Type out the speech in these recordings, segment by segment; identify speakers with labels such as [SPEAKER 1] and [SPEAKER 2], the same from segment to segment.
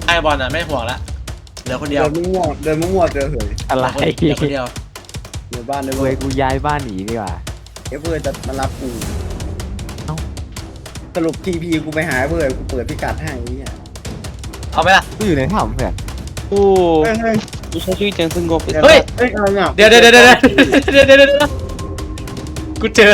[SPEAKER 1] ไอบอลอ่ะไม่ห่วงละเหลือคนเดียว
[SPEAKER 2] เดินมั่วเจอเหย
[SPEAKER 3] อะไร
[SPEAKER 1] เหลือคนเดียว
[SPEAKER 2] ในบ้านใน
[SPEAKER 3] เว้ยกูย้ายบ้านหนีดีกว่า
[SPEAKER 2] เพื่อจะมารับกู
[SPEAKER 3] เอ้า
[SPEAKER 2] สรุปทีพีกูไปหาเพื่อกูเปิดพิกัดให้เนี่ย
[SPEAKER 1] เอาไหมล่ะ
[SPEAKER 3] กูอยู่ในถ้ำเพื่อน
[SPEAKER 4] โอ้
[SPEAKER 2] เฮ้ย
[SPEAKER 4] กูใช้ชีวิตอย่างสงบ
[SPEAKER 1] เฮ้ย
[SPEAKER 2] เฮ้ยอะไรเนี่ย
[SPEAKER 1] เดี๋ยวกูเจอ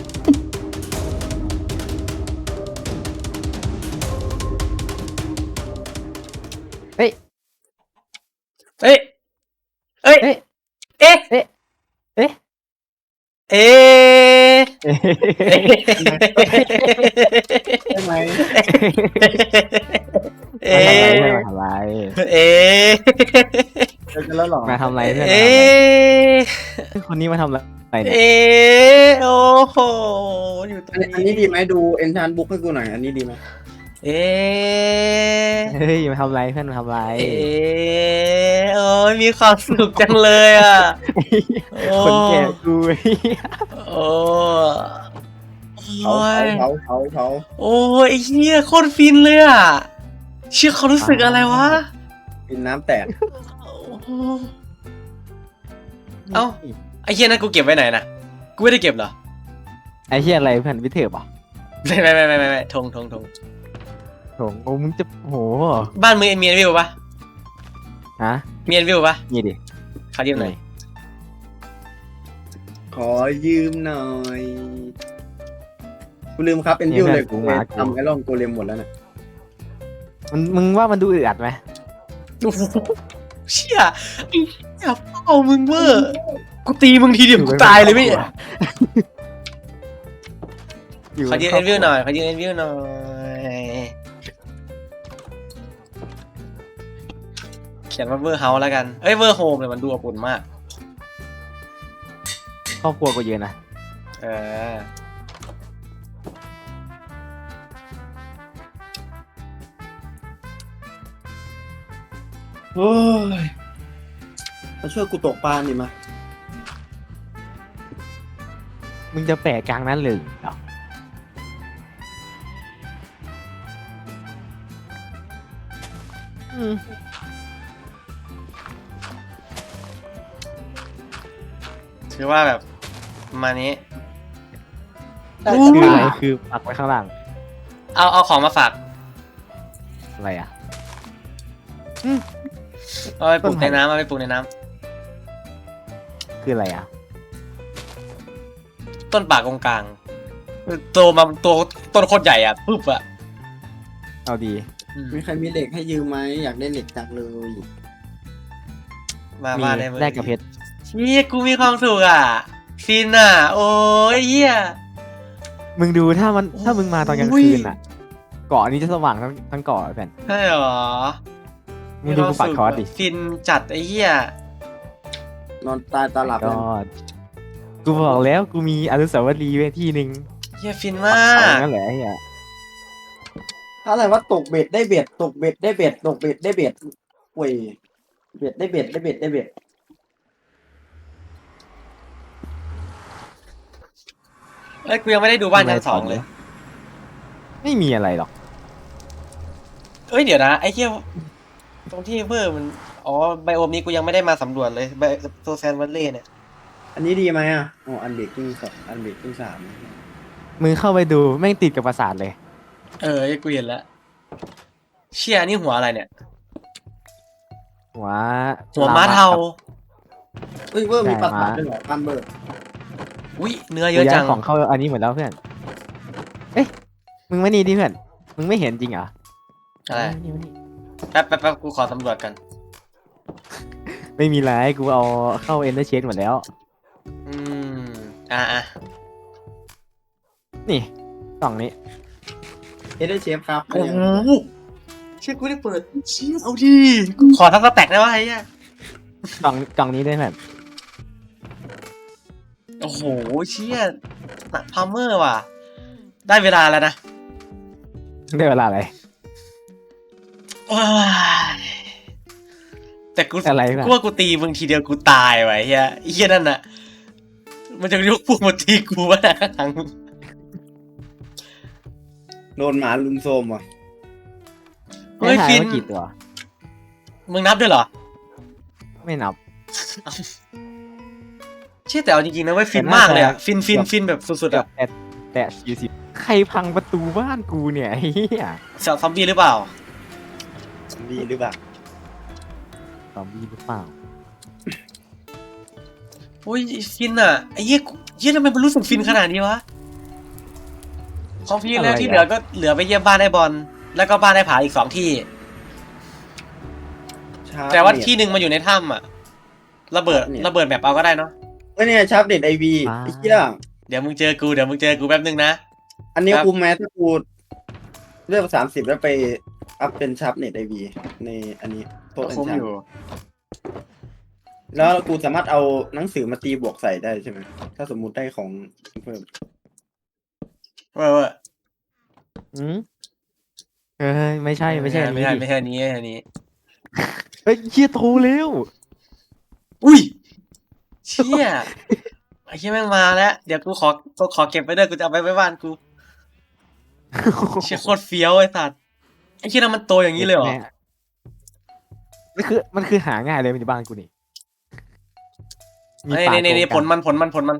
[SPEAKER 1] เฮ้ยเอ๊ะ
[SPEAKER 3] เอ๊ะ
[SPEAKER 1] เอ๊ะ
[SPEAKER 3] เอ๊ะ
[SPEAKER 1] เอ๊ะ
[SPEAKER 3] เอ๊ะ
[SPEAKER 2] ใช่ไหม
[SPEAKER 1] เอ๊
[SPEAKER 3] มาทำอะไร
[SPEAKER 1] เอ๊ะ
[SPEAKER 2] เจอกันแล้วเหรอ
[SPEAKER 3] มาทำอะไรเพื่อน
[SPEAKER 1] เอ๊ะ
[SPEAKER 3] คนนี้มาทำอะไรเนี่ย
[SPEAKER 1] เอ๊ะโอ้โหอยู่ตรง
[SPEAKER 2] อันนี้ดีไหมดูเอนชานบุ๊กให้กูหน่อยอันนี้ดีไหม
[SPEAKER 1] เอ๊ะ
[SPEAKER 3] เฮ้ยมาทำอะไรเพื่อนมาทำอะไร
[SPEAKER 1] เอ๊ะโอ้ยมีความสุขจังเลยอ่ะโอ้
[SPEAKER 3] คนแก่กู
[SPEAKER 1] โอ้
[SPEAKER 2] เขา
[SPEAKER 1] ย
[SPEAKER 2] เขา
[SPEAKER 1] โอ้ยไอ้เหี้ยโคตรฟินเลยอ่ะเชื่อเขารู้สึกอะไรวะ
[SPEAKER 2] กินน้ำแตก
[SPEAKER 1] โอ้โหเอ้าไอ้เหี้ยนั่นกูเก็บไว้ไหนนะกูไม่ได้เก็บเหรอ
[SPEAKER 3] ไอ้เหี้ยอะไรเพื่อนวิเทอร์ป่ะ
[SPEAKER 1] ไม่ทง
[SPEAKER 3] โถงโอ้มึงจะโห
[SPEAKER 1] บ้านมึงมีเอ็นวิวปะ
[SPEAKER 3] ฮะ
[SPEAKER 1] มีเอ็นวิวปะ
[SPEAKER 3] นี่ดิ
[SPEAKER 1] เขายืมหน่อย
[SPEAKER 2] ขอยืมหน่อยกูลืมครับเป็นวิวเลยกูทำไอรอนโกเลมหมดแล้วนะ
[SPEAKER 3] มึงว่ามันดูอึดอัดไหม
[SPEAKER 1] โอ้โหเชี่ยไอ้เหี้ยเป้ามึงเวอร์กูตีมึงทีเดียวกูตายเลยพี่ขอยืมเอ็นวิวหน่อยเขียนว่าเวอร์เฮาส์แล้วกันเอ้ยเวอร์โฮมเลยมันดูอบอุ่นมาก
[SPEAKER 3] ครอบครัวกูเยอะนะ
[SPEAKER 1] เออ
[SPEAKER 2] โอ้ยมาช่วยกูตกปลาหนิมา
[SPEAKER 3] มึงจะแปะกลางนั้นเลยเหรออืม
[SPEAKER 1] ถือว่าแบบประมาณนี้
[SPEAKER 2] ได้
[SPEAKER 3] คือ
[SPEAKER 2] ป
[SPEAKER 3] อะไร
[SPEAKER 2] ลา
[SPEAKER 3] คือปักไว้ข้างล่าง
[SPEAKER 1] เอาของมาฝาก
[SPEAKER 3] อะไรอ่ะ
[SPEAKER 1] เอาไปปลูก
[SPEAKER 3] ต้นไม้
[SPEAKER 1] ในน้ำเอาไปปลูกในน้
[SPEAKER 3] คืออะไรอ่ะ
[SPEAKER 1] ำต้นป่ากงกลางโตมาตัวต้นโคตรใหญ่อ่ะปุ๊บอ่ะ
[SPEAKER 3] เอาดี
[SPEAKER 2] มีใครมีเหล็กให้ยืมไหมอยากได้เหล็กจังเลย
[SPEAKER 1] มา
[SPEAKER 3] มี
[SPEAKER 1] มาได้เลย
[SPEAKER 3] แลกกับเพชร
[SPEAKER 1] เฮียกูมีความสุขอ่ะฟินอ่ะ โอ้ยเฮีย
[SPEAKER 3] มึงดูถ้ามึงมาตอนกลาง
[SPEAKER 1] โอ้ย
[SPEAKER 3] คืนอ่ะ เกาะนี้จะสว่างทั้งเกาะอะเพื่อน
[SPEAKER 1] ใช่หรอ
[SPEAKER 3] มึงดูกูปักคอร์สดิ
[SPEAKER 1] ฟินจัดไอ้เหี้ย
[SPEAKER 2] นอนตายตาหลับ
[SPEAKER 3] ก็
[SPEAKER 2] เลย
[SPEAKER 3] กูบอกแล้วกูมีอนุสาวรีย์ไว้ที่หนึ่ง
[SPEAKER 1] เหี้ยฟิน
[SPEAKER 3] ปั
[SPEAKER 1] มาก
[SPEAKER 3] เสา
[SPEAKER 1] ก
[SPEAKER 3] นั่นแหละไอ้เหี้ย
[SPEAKER 2] ถ้าอะไรว่าตกเบ็ดได้เบ็ดตกเบ็ดได้เบ็ดตกเบ็ดได้เบ็ดเว้ยเบ็ดได้เบ็ดได้เบ็ดได้เบ็ด
[SPEAKER 1] เอ้ยกูยังไม่ได้ดูบ้านชั้นสองเลย
[SPEAKER 3] ไม่มีอะไรหรอก
[SPEAKER 1] เอ้ยเดี๋ยวนะไอ้เหี้ยตรงที่เวอร์มันอ๋อไบโอมนี้กูยังไม่ได้มาสำรวจเลยไบโซแซนวัลเล่เนี่ย
[SPEAKER 2] อันนี้ดีไหมอ่ะอ๋ออันเบรกกิ้งสองอันเบรกกิ้งสาม
[SPEAKER 3] มึงเข้าไปดูแม่งติดกับปราสาทเลย
[SPEAKER 1] เออกูเห็นแล้วเชี่ยนี่หัวอะไรเนี่ย
[SPEAKER 3] หัว
[SPEAKER 1] หัวม้าเทา
[SPEAKER 2] เอ้ยเวอร์มีปลาสาทด้วยเหรอปันเบอร์
[SPEAKER 1] อุ้ยเนื้อ
[SPEAKER 3] เย
[SPEAKER 1] เยอะ
[SPEAKER 3] อะ
[SPEAKER 1] จั
[SPEAKER 3] จั
[SPEAKER 1] ง
[SPEAKER 3] งของเข้าอันนี้หมดแล้วเพื่อน เอ๊ะ มึงไม่นี่ดิเพื่อน มึงไม่เห็นจริงเหรอ
[SPEAKER 1] อะไร
[SPEAKER 3] นี่มานี่
[SPEAKER 1] แป๊บกูขอสำรวจกัน
[SPEAKER 3] ไม่มีไรกูเอาเข้าเอ็นเตอร์เชนหมดแล้ว
[SPEAKER 1] อืมอ่ะ
[SPEAKER 3] นี่กล่องนี้
[SPEAKER 2] เอเดอร์เชฟครับ
[SPEAKER 1] โอ้โหเชี่ยกูได้เปิดเชี่ยเอาดิกูขอทั้งสแต็กได้ปะไอ้เหี้ย
[SPEAKER 3] กล่องนี้ด้วยเพื่อน
[SPEAKER 1] โอ้โหเชี่ยหนักพาร์เมอร์ว่ะ ได้เวลาแล้วนะ
[SPEAKER 3] ได้เวลาอะไร
[SPEAKER 1] ว้ายแต่กู
[SPEAKER 3] อะไรวะ
[SPEAKER 1] กูว่ากูตีมึงทีเดียวกูตายว่ะไอ้เฮียไอ้เฮียนั่นน่ะ มันจะยกพวกมาตีกูวะนะทางมึง
[SPEAKER 2] โดนหมาลุมโซมว่ะ
[SPEAKER 1] เฮ้ย
[SPEAKER 3] ให้ทา
[SPEAKER 1] ฟิน
[SPEAKER 3] ว่ากี่ตัว
[SPEAKER 1] มึงนับด้วยเหรอ
[SPEAKER 3] ไม่นับ
[SPEAKER 1] เชื่อแต่เอาจริงๆนะเว้ยฟินมากเลยอะฟินแบบสุดๆ
[SPEAKER 3] แบ
[SPEAKER 1] อะ
[SPEAKER 3] บแต่40ใครพังประตูบ้านกูเนี่ยไอ้เหี้ย
[SPEAKER 1] ซอมบี้หรือเปล่า
[SPEAKER 2] ดีหรือเปล่า
[SPEAKER 3] ซอมบี้หรือเปล่า
[SPEAKER 1] อุ้ยฟินอะไอ้เหี้ยทำไมมันรู้สึกฟินขนาดนี้วะของพี่แล้วที่เหลือก็เหลือไปเยี่ยมบ้านไอ้บอลแล้วก็บ้านไอ้ผาอีก2 ที่ แต่ว่าที่หนึ่งมันอยู่ในถ้ำอะระเบิดแมปเอาก็ได้เนาะ
[SPEAKER 2] เนี่ยชาร์ปเน็ตไอวีไอ้เหี้ย
[SPEAKER 1] เดี๋ยวมึงเจอกูแป๊บนึงนะ
[SPEAKER 2] อันนี้
[SPEAKER 1] ครับ
[SPEAKER 2] กูแม้ถ้ากูเลือก30แล้วไปอัพเป็นชาร์ปเน็ตไอวีในอันนี้โต๊ะอัน
[SPEAKER 1] คุ้ม
[SPEAKER 2] ชา
[SPEAKER 1] อยู่
[SPEAKER 2] แล้วกูสามารถเอาหนังสือมาตีบวกใส่ได้ใช่ไหมถ้าสมมุติได้ของเพิ่ม
[SPEAKER 1] เว้ย
[SPEAKER 3] อืมเฮ้ยไม่ใช่อัน
[SPEAKER 1] ไม่
[SPEAKER 3] นี้
[SPEAKER 1] ใช่
[SPEAKER 3] ดิ
[SPEAKER 1] อันนี้
[SPEAKER 3] เฮ้ยเหี้ยโทรเร็ว
[SPEAKER 1] อุ้ยเชี่ยไอ้เชี่ยแม่งมาแล้วเดี๋ยวกูขอเก็บไว้ด้วยกูจะเอาไปไว้บ้านกูเชี่ยโคตรเฟี้ยวไอ้สัตว์ไอ้เชี่ยนั้นมันโตอย่างนี้เลยเหรอ
[SPEAKER 3] แม่มันคือหาง่ายเลยมันอยู่บ้านกูนี่มี
[SPEAKER 1] นี่
[SPEAKER 3] ป่า
[SPEAKER 1] นี่
[SPEAKER 3] โกง
[SPEAKER 1] ผ
[SPEAKER 3] กั
[SPEAKER 1] ลมัน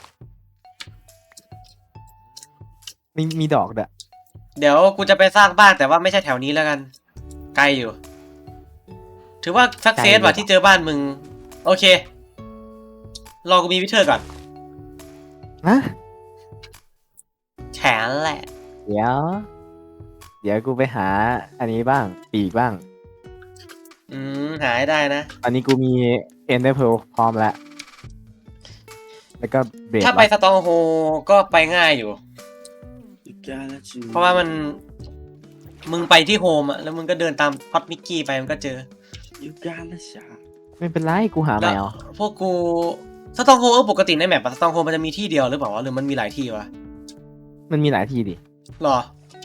[SPEAKER 3] มีดอกเด้อ
[SPEAKER 1] เดี๋ยวกูจะไปสร้างบ้านแต่ว่าไม่ใช่แถวนี้แล้วกันไกลอยู่ ถือว่าสักเซสว่ะที่เจอบ้านมึงโอเครอกูมีวิเทอร์ก่อน
[SPEAKER 3] ฮะ
[SPEAKER 1] แฉนแหละ
[SPEAKER 3] เดี๋ยวกูไปหาอันนี้บ้างปีกบ้าง
[SPEAKER 1] หาให้ได้นะ
[SPEAKER 3] ตอนนี้กูมีเอ็นเดอร์เพลพร้อมแล้ว แล้วก็เบรด
[SPEAKER 1] ถ้าไปสตองโฮก็ไปง่ายอยู่ เพราะว่ามึงไปที่โฮมอะแล้วมึงก็เดินตามพอดมิกกี้ไปมันก็เจอ
[SPEAKER 2] ยูกาลาชา
[SPEAKER 3] ไม่เป็นไรกูหาแม
[SPEAKER 1] แล้ว
[SPEAKER 3] ว
[SPEAKER 1] พวกกูสตองโฮปกติในแมปสตองโฮมันจะมีที่เดียวหรือเปล่าวะหรือมันมีหลายที่วะ
[SPEAKER 3] มันมีหลายที่ดิ
[SPEAKER 1] หรอ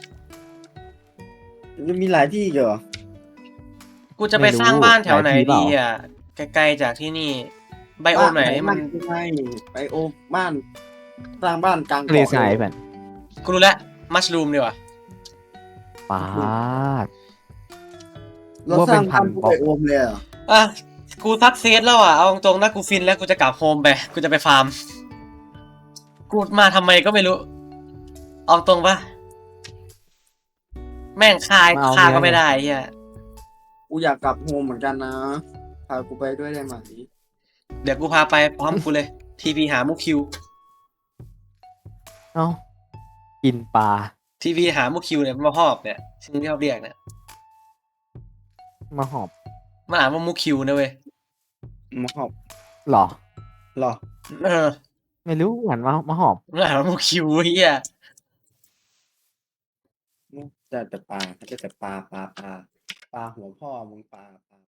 [SPEAKER 2] จะมีหลายที่เหรอ
[SPEAKER 1] กูจะไปสร้างบ้านแถวไหนดีอ่ะไกลๆจากที่นี่ไบโอมไหนมัน
[SPEAKER 2] ไม่ไปโอบ้านสร้างบ้านกลาง
[SPEAKER 3] ทะเลทรายเพื่อน
[SPEAKER 1] กูรู้แล้วมัชรูมดีกว่า
[SPEAKER 3] ปาด
[SPEAKER 2] เราสร้างบ้านไปโอมเลยเหรอ
[SPEAKER 1] อ่ะกูซักเซสแล้วอ่ะเอาตรงๆนะกูฟินแล้วกูจะกลับโฮมไปกูจะไปฟาร์มกูมาทำไมก็ไม่รู้เอาตรงปะแม่งฆ่าก็ไม่ได้เฮีย
[SPEAKER 2] กูอยากกลับโฮมเหมือนกันนะพากูไปด้วยได้ไหม
[SPEAKER 1] เดี๋ยวกูพาไปพร้อมกูเลยทีพีหามุกคิว
[SPEAKER 3] เอ้ากินปลา
[SPEAKER 1] ทีพีหามุกคิวเนี่ยมันมาหอบเนี่ยชื่อที่เขาเรียกเนี่ย
[SPEAKER 3] มาหอบ
[SPEAKER 1] มันอ่านว่ามุกคิวนะเว้ย
[SPEAKER 2] มาหอบ
[SPEAKER 3] หรอ
[SPEAKER 2] เหรอ
[SPEAKER 1] เออ
[SPEAKER 3] ไม่รู้หันมาหอบ
[SPEAKER 1] มันอ่านว่ามุกคิวเฮีย
[SPEAKER 2] แต่ปลาหัวพ่อมึงปลา